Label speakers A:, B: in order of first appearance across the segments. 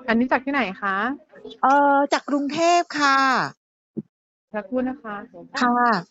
A: อันนี้จากที่ไหนคะ
B: จากกรุงเทพค่ะ
A: สักครู่นะคะ
B: ค่ะ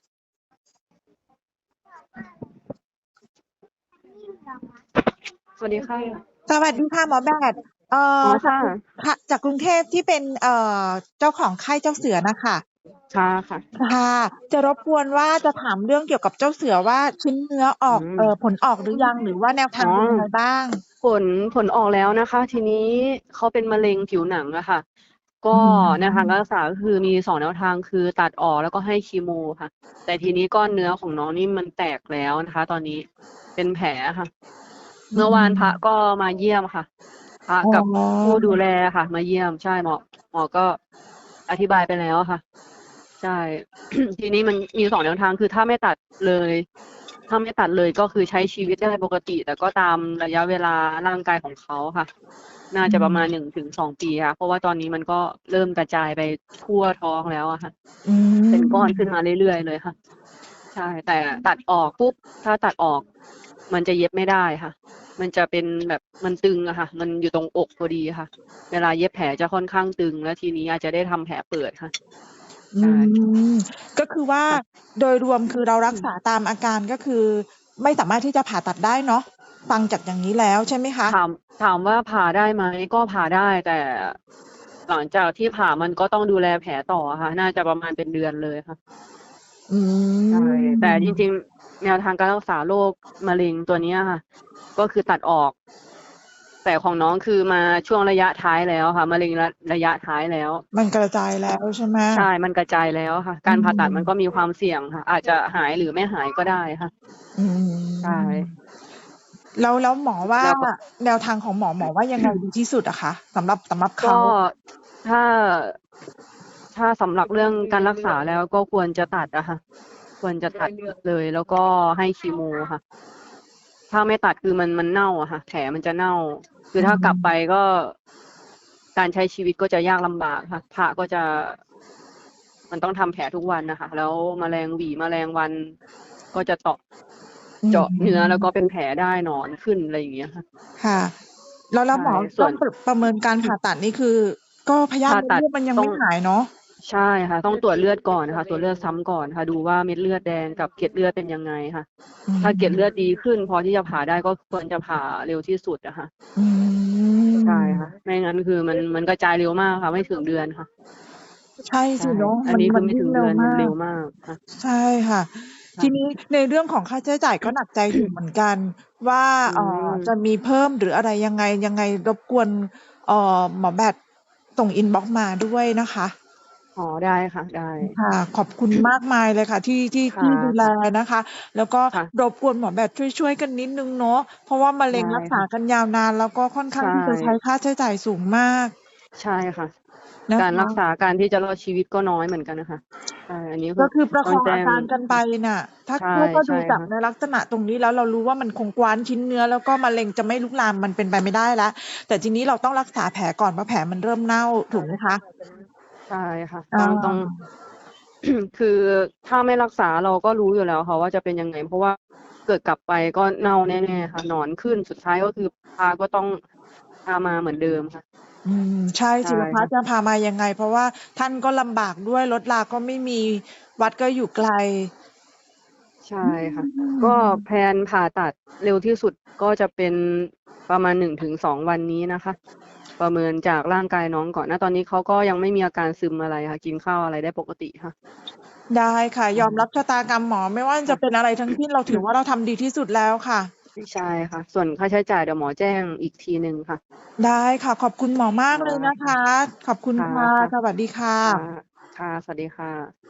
A: สวัสดีค่ะ
B: สวัสดีค่ะหมอแบท
A: อ๋อค่ะ
B: จากกรุงค่ะจากกรุงเทพที่เป็นเจ้าของค่ายเจ้าเสือนะคะ
A: ค่ะค่ะ
B: ค่ะจะรบกวนว่าจะถามเรื่องเกี่ยวกับเจ้าเสือว่าชิ้นเนื้อออก
A: อืม
B: ผลออกหรือยังหรือว่าแนว
A: อ๋อ
B: ทางเป็นยังไงบ้าง
A: ผลผลออกแล้วนะคะ ทีนี้เขาเป็นมะเร็งผิวหนังอะค่ะ
B: อื
A: ก็แนวทาง
B: ม
A: การรักษาก็คือมี2แนวทางคือตัดออกแล้วก็ให้คีโมค่ะ แต่ทีนี้ก้อนเนื้อของน้องนี่มันแตกแล้วนะคะ ตอนนี้เป็นแผลค่ะ
B: อื
A: เมื่อวานพระก็
B: ม
A: มาเยี่ยมค่ะพระ
B: อ๋
A: กับผู้
B: อ
A: ดูแลค่ะมาเยี่ยมใช่หมอก็อธิบายไปแล้วค่ะใช่ ทีนี้มันมี2แนวทางคือถ้าไม่ตัดเลยถ้าไม่ตัดเลยก็คือใช้ชีวิตได้ปกติ แต่ก็ตามระยะเวลาร่างกายของเขาค่ะน่า
B: อื
A: จะประมาณ
B: ม
A: 1 ถึง 2 ปีค่ะเพราะว่าตอนนี้มันก็เริ่มกระจายไปทั่วท้องแล้วอะค่ะ
B: อื
A: เป็นก้อนขึ้น
B: ม
A: มาเรื่อยๆเลยค่ะใช่แต่ตัดออกปุ๊บถ้าตัดออกมันจะเย็บไม่ได้ค่ะมันจะเป็นแบบมันตึงอะค่ะมันอยู่ตรงอกพอดีค่ะเวลาเย็บแผลจะค่อนข้างตึงแล้วทีนี้อาจจะได้ทำแผลเปิดค่ะ
B: อื
A: ใช่
B: มก็คือว่า
A: ค่ะ
B: โดยรวมคือเรารักษาตามอาการก็คือไม่สามารถที่จะผ่าตัดได้เนาะฟังจากอย่างนี้แล้วใช่ไหมคะ
A: ถามว่าผ่าได้ไหมก็ผ่าได้แต่หลังจากที่ผ่ามันก็ต้องดูแลแผลต่อค่ะน่าจะประมาณเป็นเดือนเลยค่ะ
B: อื
A: ใช่แต่จริง
B: ม
A: ๆแนวทางการรักษาโรคมะเร็งตัวเนี้ยค่ะก็คือตัดออกแต่ของน้องคือมาช่วงระยะท้ายแล้วค่ะมะเร็งระยะท้ายแล้ว
B: มันกระจายแล้วใช่ไหม
A: ใช่มันกระจายแล้วค่ะ
B: อื
A: การผ่าตัดมันก็
B: ม
A: มีความเสี่ยงค่ะอาจจะหายหรือไม่หายก็ได้ค่ะ
B: อื
A: ใช่
B: มแล้วหมอว่า
A: แล้วก็
B: แนวทางของหมอว่ายังไงดีที่สุดอะคะสำหรับ
A: ก็
B: เขา
A: ถ้า ถ้าสำหรับเรื่องการรักษาแล้วก็ควรจะตัดอะค่ะควรจะตัดเลยแล้วก็ให้คีโมค่ะถ้าไม่ตัดคือมันเน่าอะค่ะแผลมันจะเน่าคือ
B: อื
A: ถ้ากลับไป
B: ม
A: ก็การใช้ชีวิตก็จะยากลำบากค่ะพระก็จะมันต้องทำแผลทุกวันนะคะแล้วแมลงหวีแมลงวันก็จะ
B: อื
A: เจาะเนื้อแล้วก็
B: ม
A: เป็นแผลได้หนอนขึ้นอะไรอย่างเงี้ยค่ะ
B: ค่ะแล้ว
A: ใช่
B: หมอ
A: ส่วน
B: ต้องประเมินการผ่าตัดนี่คือก็พยาธิ
A: ผ่าตัด
B: มดลูกมันยัง
A: ต้อง
B: ไม่หายเนาะ
A: ใช่ค่ะต้องตรวจเลือดก่อนนะคะตรวจเลือดซ้ำก่อนค่ะดูว่าเม็ดเลือดแดงกับเกล็ดเลือดเป็นยังไงค่ะ
B: อื
A: ถ้าเกล็ดเลือด
B: ม
A: ดีขึ้นพอที่จะผ่าได้ก็ควรจะผ่าเร็วที่สุดอะค่ะ
B: อื
A: ใช่ค่ะ
B: ม
A: ไม่งั้นคือมันกระจายเร็วมากค่ะไม่ถึงเดือนค่ะ
B: ใช่
A: ใช่
B: สิเนาะ
A: อัน
B: มัน
A: นี้คือไม่
B: มันวิ่งเร็
A: ถึงเดือนมัน
B: วมาก
A: เร็วมากค่ะ
B: ใช่ค่ะทีนี้
A: ค่ะ
B: ในเรื่องของค่าใช้จ่ายก็หนักใจอยู่เหมือนกันว่า
A: อื
B: จะ
A: ม
B: มีเพิ่มหรืออะไรยังไงรบกวนหมอแบตส่งอินบ็อกซ์มาด้วยนะคะ
A: อ๋อได้ค่ะได้
B: ค่ะขอบคุณมากมายเลยค่ะที่
A: ค่ะ
B: ดูแล
A: ค่ะ
B: นะคะแล้วก็ร
A: ค่ะ
B: บกวนหมอแบตช่วยกันนิดนึงเนาะเพราะว่ามะเร็
A: ได้
B: งรักษา
A: ค่ะ
B: กันยาวนานแล้วก็ค่อนข้าง
A: ใช่
B: ที่จะใช้ค่าใช้จ่ายสูงมาก
A: ใช่ค่ะ
B: นะคะ
A: การรักษาการที่จะรอดชีวิตก็น้อยเหมือนกันนะคะใช่อันนี้คือ
B: ก็คือประ
A: ต้องแจ้ง
B: คองอาการกันไปน่ะถ้า
A: ใช่
B: ถ้าดู
A: ใช่
B: จากใน
A: ค่ะ
B: ลักษณะตรงนี้แล้วเรารู้ว่ามันคงกว้านชิ้นเนื้อแล้วก็มะเร็งจะไม่ลุกลามมันเป็นไปไม่ได้แล้วแต่ทีนี้เราต้องรักษาแผลก่อนเพราะแผลมันเริ่มเน่าถูกไหมคะ
A: ใช่ค่ะ
B: อ่
A: ต้อง
B: า
A: คือถ้าไม่รักษาเราก็รู้อยู่แล้วค่ะว่าจะเป็นยังไงเพราะว่าเกิดกลับไปก็เน่าแน่ๆค่ะหนอนขึ้นสุดท้ายก็คือพาก็ต้องพามาเหมือนเดิมค่ะ
B: ใช่
A: ใช่
B: ศิลปะจะ
A: ค่ะ
B: พามายังไงเพราะว่าท่านก็ลำบากด้วยรถราก็ไม่มีวัดก็อยู่ไกล
A: ใช่
B: อื
A: ค่ะก็แพล
B: ม
A: นผ่าตัดเร็วที่สุดก็จะเป็นประมาณ1 ถึง 2 วันนี้นะคะประเมินจากร่างกายน้องก่อนนะตอนนี้เขาก็ยังไม่มีอาการซึมอะไรค่ะกินข้าวอะไรได้ปกติค่ะ
B: ได้ค่ะยอมรับ
A: ใช่
B: ชะตากรรมหมอไม่ว่าจะเป็น
A: ค่ะ
B: อะไรทั้งสิ้นเราถือว่าเราทำดีที่สุดแล้วค่ะ
A: ใช่ค่ะส่วนค่าใช้จ่ายเดี๋ยวหมอแจ้งอีกทีหนึ่งค่ะ
B: ได้ค่ะขอบคุณหมอมาก
A: ค่ะ
B: เลยนะคะขอบคุณ
A: ค่ะ
B: ค่ะ
A: ค่ะ
B: สวัสดีค่
A: ค่ะ
B: ะ
A: ค่ะสวัสดีค่ะ